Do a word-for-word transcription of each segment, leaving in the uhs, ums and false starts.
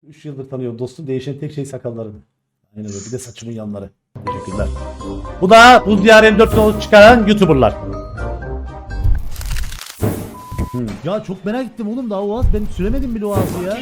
üç yıldır tanıyorum dostum. Değişen tek şey sakalları. Aynen öyle. Bir de saçımın yanları. Teşekkürler. Bu da Buz Diyarı M dört yolu çıkaran YouTuber'lar. Hmm. Ya çok merak ettim oğlum, daha o ağız ben süremedim bile o ağzı ya.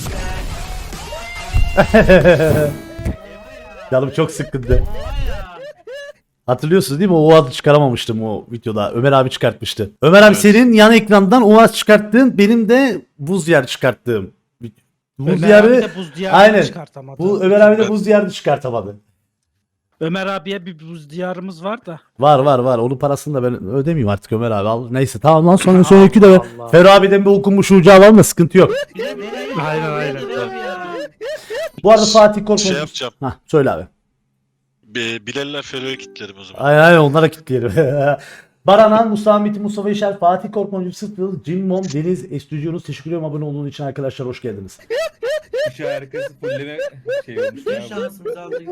Canım çok sıkkındı. Hatırlıyorsunuz değil mi? O ağzı çıkaramamıştım o videoda. Ömer abi çıkartmıştı. Ömer abi evet. Senin yan ekrandan o ağzı çıkarttığın, benim de Buz Diyarı çıkarttığım. Buz Ömer Diyarı, abi de Buz Diyarı'nı aynen. çıkartamadı. Bu Ömer abi de Buz Diyarı'nı çıkartamadı. Ömer abiye bir Buz Diyarımız var da. Var var var. Onun parasını da ben ödemeyeyim artık Ömer abi. Al. Neyse tamam lan, sonra sonraki de Ferro abiden bir okunmuş ucu alalım da sıkıntı yok. Aynen aynen. Bu arada Fatih Korkmaz. Şey yapacağım. Hah söyle abi. Be, Bilal'ler Ferro'ya kilitlerim o zaman. Aynen aynen onlara kilitleyelim. Baranan, Mustafa Metin, Mustafa İşer, Fatih Korkmaz, Sıtıl, Cimmom, Deniz, Estüdyonuz. Teşekkür ederim abone olduğunuz için arkadaşlar, hoş geldiniz. Şu harikası fulleme şey olmuş ya. Şansımızı aldık.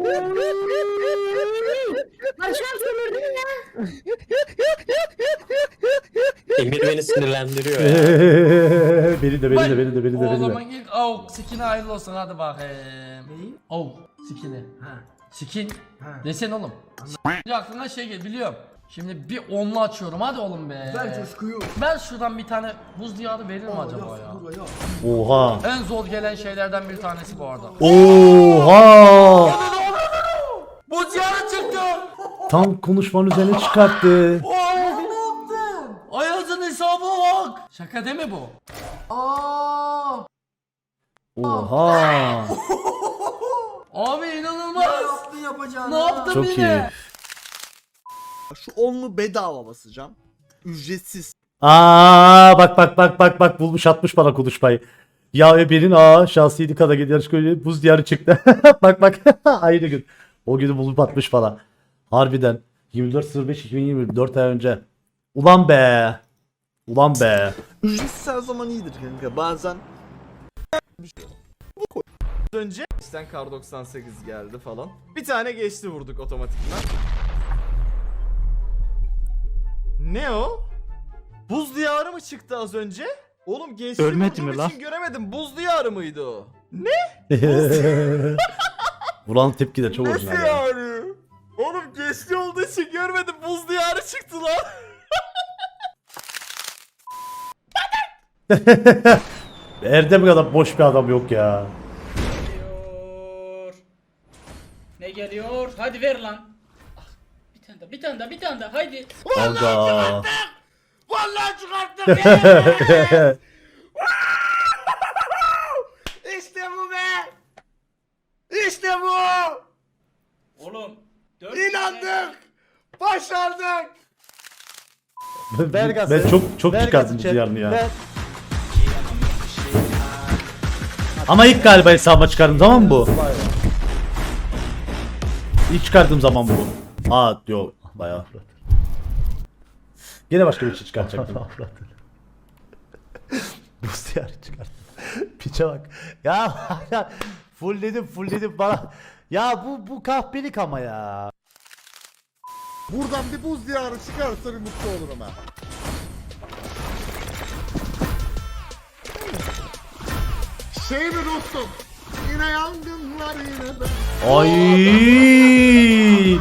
Başkan sömürdün ya. Emir beni sinirlendiriyor ya. beni de beni de beni de beni de O beni de. zaman ilk avuk skin'e hayırlı olsun hadi bakayım. Neyi? Avuk skin'e. Ha. Skin. Ha. Desen oğlum. S- aklına şey gel biliyorum. Şimdi bir onlu açıyorum hadi oğlum be. Ben coşkuyu. Ben şuradan bir tane buz diyarı verir mi acaba ya? Oha. En zor gelen şeylerden bir tanesi bu arada. Oha. Buz diyarı çıktı. Tam konuşmanın üzerine çıkarttı. Oo, ne yaptın? Ayaz'ın hesabı bak. Şaka değil mi bu? Aa. Oha. Abi inanılmaz. Ne yaptın yapacağını? Ne yaptın Çok yine? iyi. Şu onlu bedava basacağım. Ücretsiz. Aa bak bak bak bak bak bulmuş atmış bana konuşmayı. Ya Eber'in aa şahsiyeti kadar gidiyor yarış buz diyarı çıktı. Bak bak aynı gün. O günü bulup atmış falan. Harbiden yirmi dört beş iki bin yirmi dört ay önce. Ulan be. Ulan be. Ücretsiz her zaman iyidir kanka. Bazen bu koy. Önce işte Kar doksan sekiz geldi falan. Bir tane geçti vurduk otomatikman. Ne o? Buz diyarı mı çıktı az önce? Oğlum geçti Ölmedi vurduğum mi lan? için göremedim. Buz diyarı mıydı o? Vuran tepki de çok Nasıl orijinal. Ya. yani? Oğlum geçti olduğu için görmedim. Buz diyarı çıktı lan. Erdem kadar boş bir adam yok ya. Geliyor. Ne geliyor? Hadi ver lan. Ah, bir tane daha, bir tane daha, bir tane daha. Haydi. Aga. Vallahi çıkarttım. İşte bu be. İşte bu. Oğlum. İnandık. Başardık. Ben, ben çok çok çıkardım bu diyarını ya. Ama ilk galiba hesaba çıkardığım zaman mı bu? İlk çıkardığım zaman bu. Aa yok bayağı. Yine başka bir şey çıkartacaktım. Bu diyarı çıkarttım. Piçe bak. Ya fullledim fullledim bana. Ya bu bu kahpelik ama ya. Buradan bir buz diyarı çıkarsa bir mutlu olurum ha. Şey mi dostum? Yine yangınlar yine de. Ay.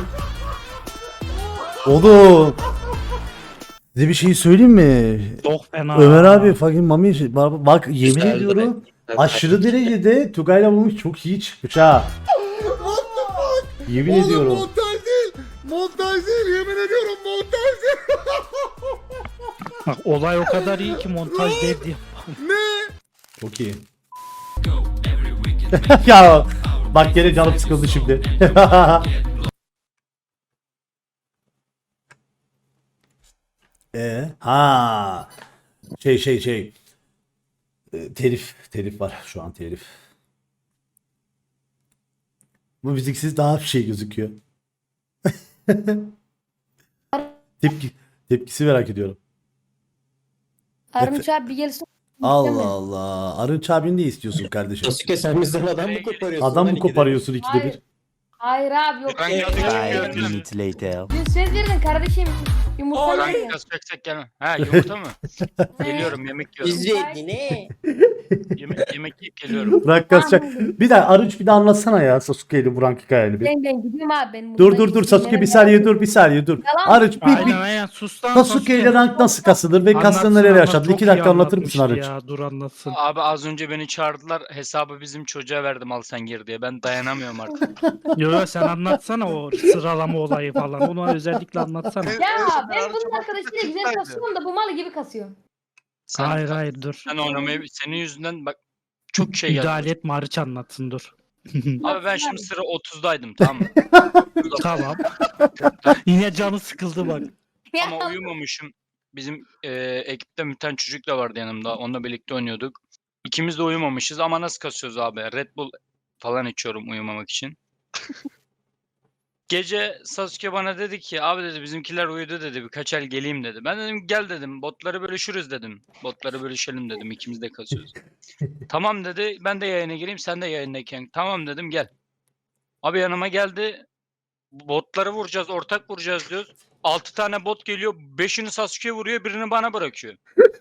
Oğlum. Size bir şey söyleyeyim mi? Çok fena. Ömer abi fucking mami bak, bak yemin Güzeldi ediyorum be. aşırı derecede Tugay'la bulmuş çok iyi çıkmış ha. What the fuck? Yemin Oğlum ediyorum. montaj değil. Montaj değil, yemin ediyorum montaj değil. Bak olay o kadar iyi ki montaj değil diye. Ne? Çok iyi. Ya bak gene canım sıkıldı şimdi. E ha şey şey şey E, telif telif var şu an telif. Bu müziksiz daha bir şey gözüküyor. Tepki tepkisi merak ediyorum. Arınç abi bir gelsin. Allah Allah. Arınç abin ne istiyorsun kardeşim? Sasuke sen bizden adam mı koparıyorsun? Adam lan mı ikide? koparıyorsun ikide Hayır. bir? Hayır abi yok. Ben geldim. Dün söz verdin kardeşim. Yumurta Ay. ne? Kasacaksak gelme. Ha yumurta mı? Geliyorum yemek yiyorum. İzledi ne? Yemek, yemek yiyip geliyorum. Burak kasacak. Bir daha Arınç bir daha anlatsana ya Sasuke ile Burak hikayeni bir. Ben ben gidiyorum abi ben. Dur dur dur Sasuke bir saniye dur bir saniye dur. Yalan. Arınç bir, Aynen bir aynen sus lan Sasuke ile rank nasıl kasılır ve kasını nereye yaşadın? İki dakika anlatır mısın Arınç? Ya dur anlatsın. Abi az önce beni çağırdılar. Hesabı bizim çocuğa verdim al sen gir diye. Ben dayanamıyorum artık. Yo yo sen anlatsana o sıralama olayı falan. Onu özellikle anlatsana. Ya ben bunun arkadaşıyla güzel kasıyorum da bu mal gibi kasıyor. Sen, Hayır hayır dur. Sen oynamayı senin yüzünden bak çok şey geldi. Müdahale etme Arıç anlatsın dur. Abi ben şimdi sıra otuzdaydım tamam mı? Tamam. Yine canı sıkıldı bak. Ama uyumamışım. Bizim e, ekipte bir tane çocuk da vardı yanımda. Onunla birlikte oynuyorduk. İkimiz de uyumamışız ama nasıl kasıyoruz abi? Red Bull falan içiyorum uyumamak için. Gece Sasuke bana dedi ki abi dedi bizimkiler uyudu dedi birkaç el geleyim dedi. Ben dedim gel dedim botları bölüşürüz dedim. Botları bölüşelim dedim ikimiz de kasıyoruz. Tamam dedi ben de yayına gireyim sen de yayındayken. Tamam dedim gel. Abi yanıma geldi. Botları vuracağız ortak vuracağız diyoruz. altı tane bot geliyor. beşini Sasuke'ye vuruyor birini bana bırakıyor.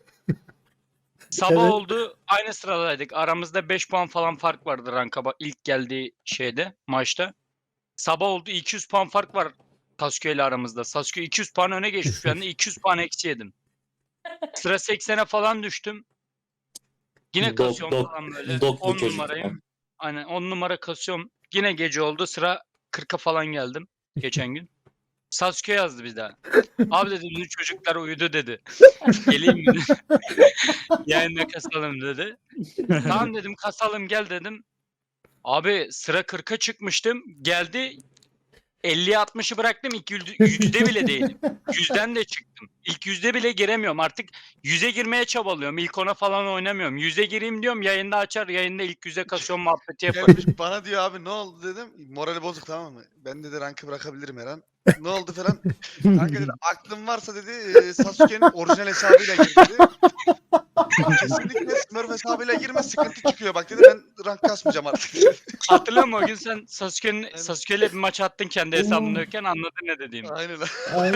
Sabah Evet. oldu aynı sıradaydık. Aramızda beş puan falan fark vardı ranka bak ilk geldiği şeyde maçta. Sabah oldu iki yüz puan fark var Sasuke ile aramızda. Sasuke iki yüz puan öne geçmiş ben de iki yüz puan eksi yedim. Sıra seksene falan düştüm. Yine Dok- kasıyorum dok- falan böyle. doklu on çocuk. numarayım. Aynen on numara kasıyorum. Yine gece oldu sıra kırka falan geldim geçen gün. Sasuke yazdı bir daha. Abi dedi bizim çocuklar uyudu dedi. Geleyim mi? Yayında kasalım dedi. Tamam dedim kasalım gel dedim. Abi sıra kırka çıkmıştım. Geldi elliye altmışı bıraktım. İlk yüzde, yüzde bile değilim. Yüzden de çıktım. İlk yüzde bile giremiyorum. Artık yüze girmeye çabalıyorum. İlk ona falan oynamıyorum. Yüze gireyim diyorum. Yayında açar. Yayında ilk yüze kasıyorum muhabbeti yaparım. Gelmiş bana diyor abi ne oldu dedim. Morali bozuk tamam mı? Ben dedi rankı bırakabilirim her an. Ne oldu falan. Kanka dedi aklın varsa dedi e, Sasuke'nin orijinal hesabıyla gir dedi. Kesinlikle Smurf hesabıyla girme sıkıntı çıkıyor bak dedi ben rank kasmayacağım artık. Hatırlıyor musun o gün sen Sasuke'nin Sasuke'yle bir maç attın kendi hesabındayken anladın ne dediğimi. Aynen. Ay.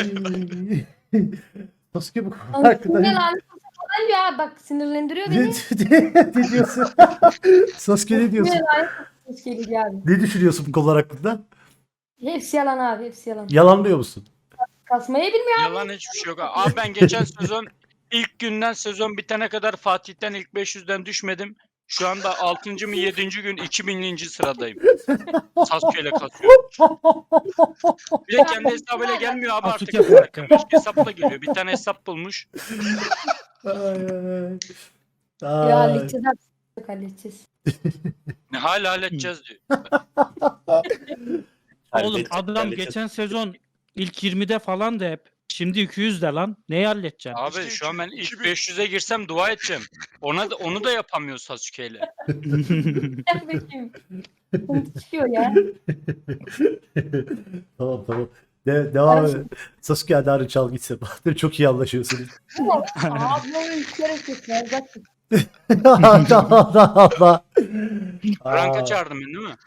Sasuke bu konu Hakkında hakkında ne, lanet olsun falan diyor abi bak sinirlendiriyor ne, beni. ne diyorsun? Sasuke ne diyorsun? Lanet olsun geliyor abi. Ne düşünüyorsun bu konular hakkında? Hepsi yalan abi hepsi yalan. Yalanlıyor musun? Kasmayı bilmiyor. Yalan hiçbir şey yok. Abi ben geçen sezon ilk günden sezon bitene kadar Fatih'ten ilk beş yüzden düşmedim. Şu anda altıncı mı yedinci gün iki binlinci sıradayım. Sasuke ile kasıyorum. Bir de kendi hesabıyla gelmiyor abi artık. Sasuke farkı. Başka hesapla geliyor. Bir tane hesap bulmuş. Ay, ay, ay. Ya Ay. halledeceğiz abi. Yok, halledeceğiz. Ne hala halledeceğiz diyor. Oğlum Halledeceğiz, adam halledeceğiz. geçen sezon ilk yirmide falan da hep. Şimdi iki yüzde lan. Neyi halledeceksin? Abi İşte şu an ben iki- ilk iki bin- beş yüze girsem dua edeceğim. Ona da, onu da yapamıyor Sasuke ile. Gel bakayım. Sıkıntı çıkıyor ya. Tamam tamam. De devam et. Sasuke hadi Arınç çal gitsin. Bahadır çok iyi anlaşıyorsunuz. Ablamın kere kesler. Bak. Allah Allah Allah. Ranka Aa. çağırdım ben değil mi?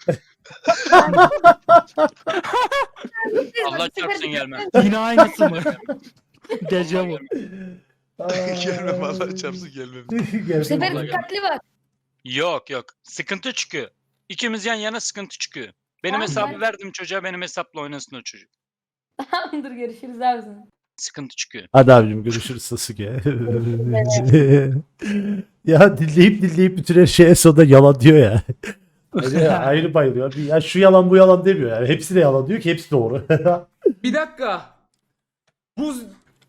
Allah çarpsın gelmem. Yine aynısı mı? Dejavu. Gelmem vallahi çarpsın gelmem. Bu sefer dikkatli bak. Yok yok. Sıkıntı çıkıyor. İkimiz yan yana sıkıntı çıkıyor. Benim Tamam, hesabı ben- verdim çocuğa benim hesapla oynasın o çocuk. Tamamdır görüşürüz abi sana. Sıkıntı çıkıyor. Hadi abicim görüşürüz Sasuke. Ya dinleyip dinleyip bütün her şeye sonunda yalan diyor ya. Öyle ayrı bayılıyor. Ya şu yalan bu yalan demiyor yani. Hepsi de yalan diyor ki hepsi doğru. Bir dakika. Buz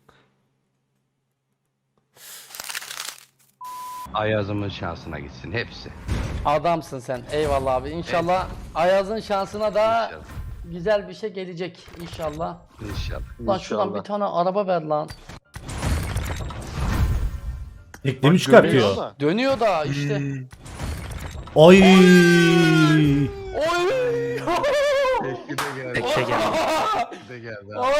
Ayaz'ımın şansına gitsin hepsi. Adamsın sen. Eyvallah abi. İnşallah Ayaz'ın şansına da İnşallah. güzel bir şey gelecek inşallah. İnşallah. Lan şuradan bir tane araba ver lan. Teknemi çıkartıyor. Dönüyor da işte. Ay. Oy! Bekle gel. Oy!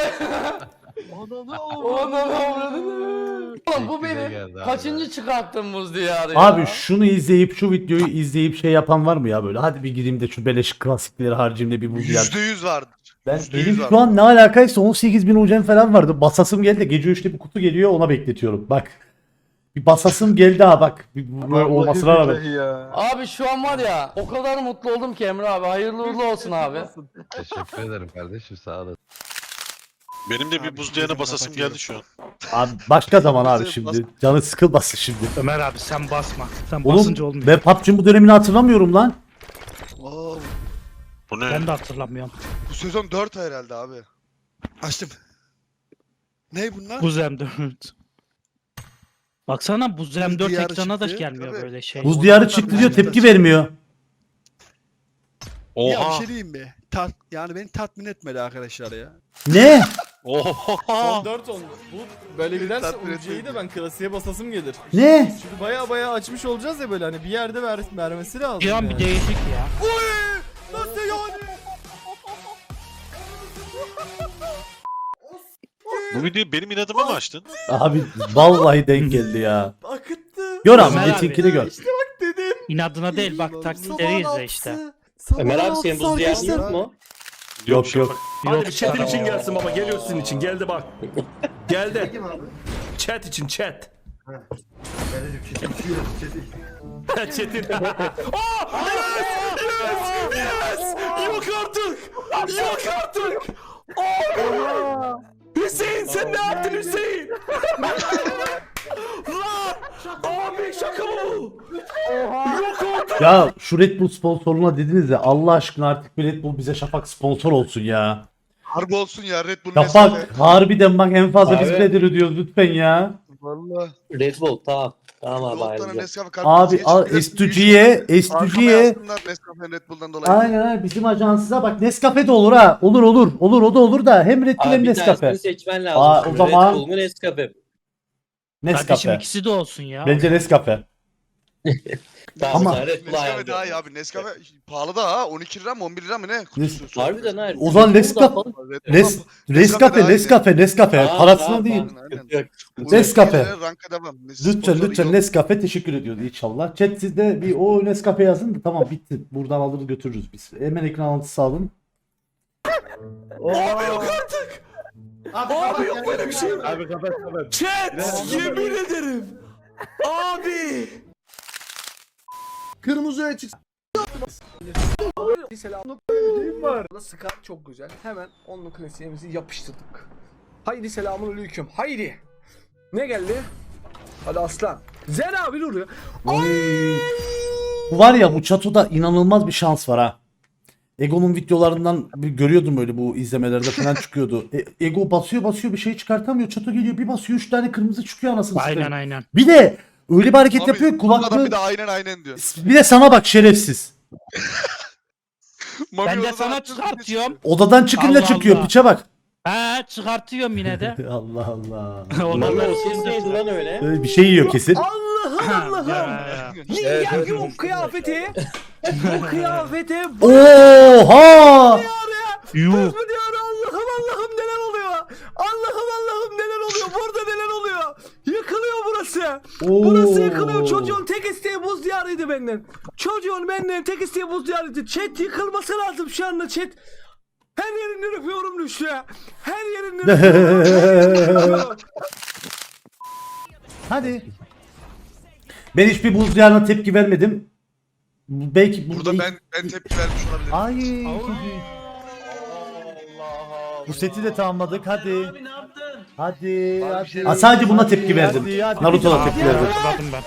Ananı avradını. Oğlum bu benim kaçıncı çıkarttım buz diyarı ya? Abi şunu izleyip şu videoyu izleyip şey yapan var mı ya böyle? Hadi bir gireyim de şu beleş klasikleri harcayayım da bir bul yani. Yüzde yüz vardır. Ben Yüzde benim yüz var. şu an ne alakaysa on sekiz bin ucem falan vardı. Basasım geldi. Gece üçte bir kutu geliyor ona bekletiyorum. Bak. Bir basasım geldi ha bak. Bir, bu- olmasına rağmen. Abi şu an var ya o kadar mutlu oldum ki Emre abi. Hayırlı uğurlu olsun abi. Teşekkür ederim kardeşim sağ olasın. Benim de bir buz diyarına basasım geldi şu an. Abi başka zaman abi şimdi. Canı sıkılmasın şimdi. Ömer abi sen basma. Sen Oğlum basınca olmuyor. ben P U B G'nin bu dönemini hatırlamıyorum lan. Aa, Bu ne? Ben de hatırlamıyorum. bu sezon dört herhalde abi. Açtım. Ne bunlar? Buz M dört. Baksana Buz M dört diyarı ekrana da çıktı. gelmiyor Tabii. böyle şey. Buz diyarı çıktı diyor tepki vermiyor. Oha. diyeyim mi? Tat, yani beni tatmin etmedi arkadaşlar ya. Ne? Oha. Son dört oldu. Bu böyle giderse Tatmin U C'yi de etmedi. ben klasiğe basasım gelir. Ne? Çünkü baya baya açmış olacağız ya böyle hani bir yerde ver, vermesi lazım. Bir an yani. bir değişik ya. Nasıl yani? Bu videoyu benim inadıma mı açtın? Abi vallahi denk geldi ya. Akıttı. Gör ama Ömer abi. Metin'kini gör. İşte bak dedim. İnadına değil bak taklitleri izle işte. Ömer abi senin buz diyarın yok mu? Yok yok. Yok bir chat için gelsin baba. Geliyor sizin için. Geldi bak. Geldi. Chat için chat. Chat'in. Aa! Yes! Yes! Yes! Yok artık! Yok artık! Aa! Hüseyin sen ne yaptın Hüseyin? Lan! Abi şaka bu! Yok artık! Ya şu Red Bull sponsorluğuna dediniz ya Allah aşkına artık bir Red Bull bize Şafak sponsor olsun ya. Harbi olsun ya Red Bull Şafak harbiden bak en fazla biz nedir ödüyoruz lütfen ya. Valla. Red Bull tamam. Tamam Yoldan Nescafe Abi kartı al S iki G'ye S iki G'ye Nescafe Red Bull'dan dolayı. aynen aynen bizim ajansıza bak Nescafe de olur ha. Olur olur. Olur o da olur da hem Red Bull hem Nescafe. seçmen lazım Aa, o şimdi. zaman- Red Bull mu Nescafe? Kardeşim Nescafe. ikisi de olsun ya. Bence Nescafe. Ama- Nescafe daha iyi abi. Nescafe pahalı da ha. on iki lira mı on bir lira mı ne? Kutusu. Harbiden ha. O zaman Nescafe. Nes Nescafe Nescafe Nescafe parasına değil. Nescafe. Lütfen lütfen Nescafe teşekkür ediyordu inşallah. Chat sizde bir o Nescafe yazın da tamam bitti. Buradan alır götürürüz biz. Hemen ekran alıntısı alın. Abi yok artık! Abi, yok böyle bir şey. Abi kapat kapat. Chat! Yemin ederim! Abi! Kırmızı çık. var. Scar çok güzel. Hemen onun klasiğimizi yapıştırdık. Haydi selamun aleyküm. Haydi. Ne geldi? Hadi aslan. Zer abi duruyor. Bu var ya bu çatoda inanılmaz bir şans var ha. Ego'nun videolarından bir görüyordum böyle bu izlemelerde falan çıkıyordu. E, Ego basıyor basıyor bir şey çıkartamıyor. Çato geliyor bir basıyor üç tane kırmızı çıkıyor anasını Aynen satayım. aynen. Bir de öyle bir hareket Abi, yapıyor Adam kulaklığı. bir de aynen aynen diyor. Bir de sana bak şerefsiz. Mami Ben de odadan sana atıyor, çıkartıyorum. Odadan çıkınca Allah çıkıyor Allah. piçe bak. He çıkartıyorum yine de. Allah Allah. Ondan lan öyle? Öyle bir şey yiyor kesin. Allah'ım Allah'ım. Ya yok kıyafeti. Bu kıyafeti. Oha! Yuh. Kız mı diyor Allah'ım Allah'ım neler oluyor? Allah'ım Allah'ım neler oluyor? Burada neler oluyor? Yıkılıyor burası. Burası yıkılıyor. Çocuğun tek isteği buz diyarıydı benden. Çocuğun benden tek isteği buz diyarıydı. Chat yıkılması lazım şu anda chat. Her yerinden öpüyorum düştü. Her yerinden öpüyorum. Hadi. Ben hiçbir buz diyarına tepki vermedim. Belki Burada ben ben tepki vermiş olabilirim. Ay. Bu seti de tamamladık hadi. Hadi. hadi. Ha, sadece buna tepki verdim. Naruto'da tepki verdim. Hatırladım ben.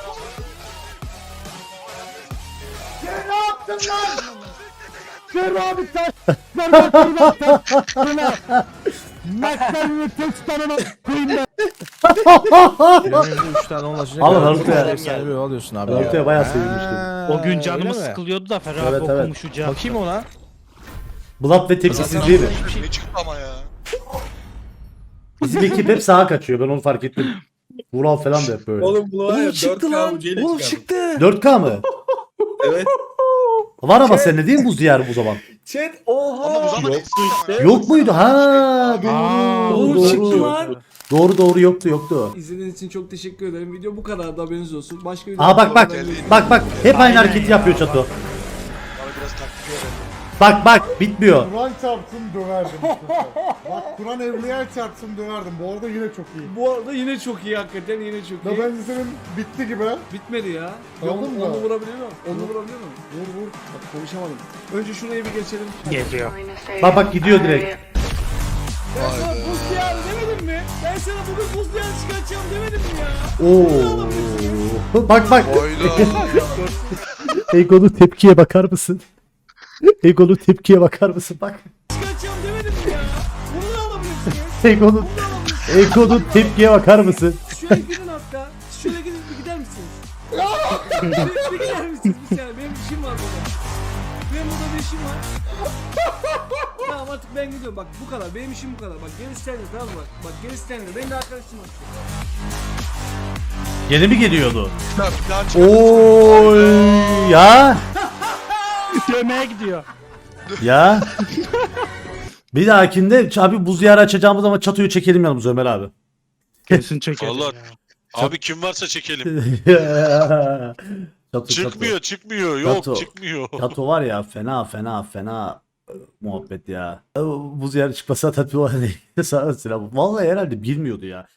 üç tane ulaşacak. Al Naruto'ya. alıyorsun abi. Naruto'ya bayağı sevinmiştim. O gün canımız sıkılıyordu da Ferhat Evet, abi evet. okumuş ucu. Bakayım ona. Blood ve tepkisizliği mi? Ne çıktı ama ya. Bizim ekip hep sağa kaçıyor ben onu fark ettim. Vural falan da hep böyle. Oğlum bu var ya çıktı lan. Oğlum çıktı. dört K mı? Evet. Var ama sende değil mi buz diyarı bu zaman? Chat oha. Ama bu zaman eski ama. Yok muydu? Ha Aa, doğru. Oğlum çıktı Doğru. lan. Doğru doğru yoktu yoktu. İzlediğiniz için çok teşekkür ederim. Video bu kadar da haberiniz olsun. Başka Aa bak bak. Bak bak hep aynı hareketi yapıyor Çato. Bana biraz taktik öğrendi. Bak bak bitmiyor. Kur'an çarpsın döverdim. Bak Kur'an evliya çarpsın döverdim. Bu arada yine çok iyi. Bu arada yine çok iyi hakikaten yine çok iyi. Ya bence senin bitti gibi. Bitmedi ya. Tamam Yok, da. onu vurabiliyor muyum? Onu vurabiliyor muyum? Vur vur. Bak konuşamadım. Önce şurayı bir geçelim. Geliyor. Bak bak gidiyor direkt. Ben sana buz diyarı demedim mi? Ben sana bugün buz diyarı çıkartacağım demedim mi ya? Oo. Bak bak. Oyda. Ego'nun tepkiye bakar mısın? Ego'nun tepkiye bakar mısın? Bak. Çıkartacağım demedim mi ya? Bunu da alabilirsiniz. Ego'nun Ego'nun tepkiye bakar mısın? Şöyle gidin hatta. Şöyle gidin bir gider misiniz? bir, bir gider misiniz bir saniye? Benim işim var burada. Benim burada bir işim var. Tamam artık ben gidiyorum. Bak bu kadar. Benim işim bu kadar. Bak gerisi sende tamam mı? Bak, bak gerisi sende. Ben de arkadaşım var. Gene mi geliyordu? Bir daha çıkar. Oy ya Yemeğe gidiyor. ya. Bir dahakinde abi buz diyarı açacağımız zaman çatoyu çekelim yanımıza Ömer abi. Kesin çekelim Vallahi- ya. Abi kim varsa çekelim. Çatı, Çıkmıyor çıkmıyor. Yok Çato. çıkmıyor. Çato var ya fena fena fena e, muhabbet ya. E, Buz diyarı çıkmasa tatlı var. Sağ olsun abi. Vallahi herhalde bilmiyordu ya.